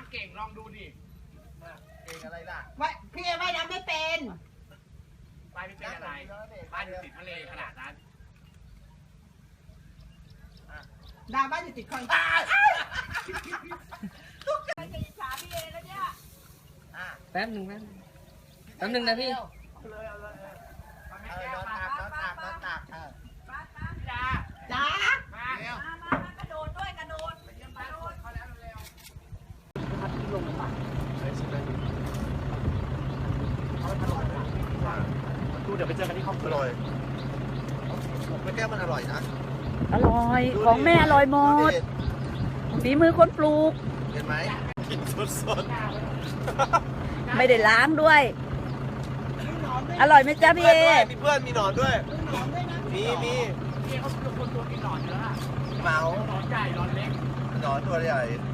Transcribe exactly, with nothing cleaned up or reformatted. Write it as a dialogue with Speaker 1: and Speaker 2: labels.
Speaker 1: ำเก่งลองดูดิเก่งอะไรล่ะ
Speaker 2: ว่าพี่ว่ายน้ำไม่เป็น
Speaker 1: บ้านไม่เป็นอะไรบ้านอยู่ติดทะเลขนาดนั้น
Speaker 2: ดาบ้านอยู่ติดคลอง
Speaker 3: แป๊บหนึ่งแป๊บแป๊บหนึ่งนะพี่
Speaker 1: เลยเอาเลยเอาแม่
Speaker 4: เออ
Speaker 1: แก้วน
Speaker 4: อน
Speaker 1: มา
Speaker 4: ตักนอนตักนอนตักเออ
Speaker 1: จ้า
Speaker 2: จ้า
Speaker 1: มาเร็ว
Speaker 5: กระโดดด้วยกระโดด
Speaker 1: ไปเยี่ยมบ้านเขาแล้วเร็ว ดูเดี๋ยวไปเจอกันที่ครอบค
Speaker 4: อ
Speaker 1: รัว
Speaker 4: ร่อยไม่แก้วมันอร่อยนะ
Speaker 5: อร่อยของแม่อร่อยหมดฝีมือคนปลูก
Speaker 4: เห็นไหมกินสด
Speaker 5: ไม่ได้ล้างด้วย อร่อยไหมจ๊ะ
Speaker 4: ๆ
Speaker 5: พี่เอ
Speaker 4: มีเพื่อนมีหนอนด้วย มีมี
Speaker 1: พี่เขาเป็นคนตัวกินหนอนเยอะอะ
Speaker 4: เหมา
Speaker 1: หนอนใหญ่หนอนเล็ก
Speaker 4: หนอนตัวใหญ่
Speaker 1: ห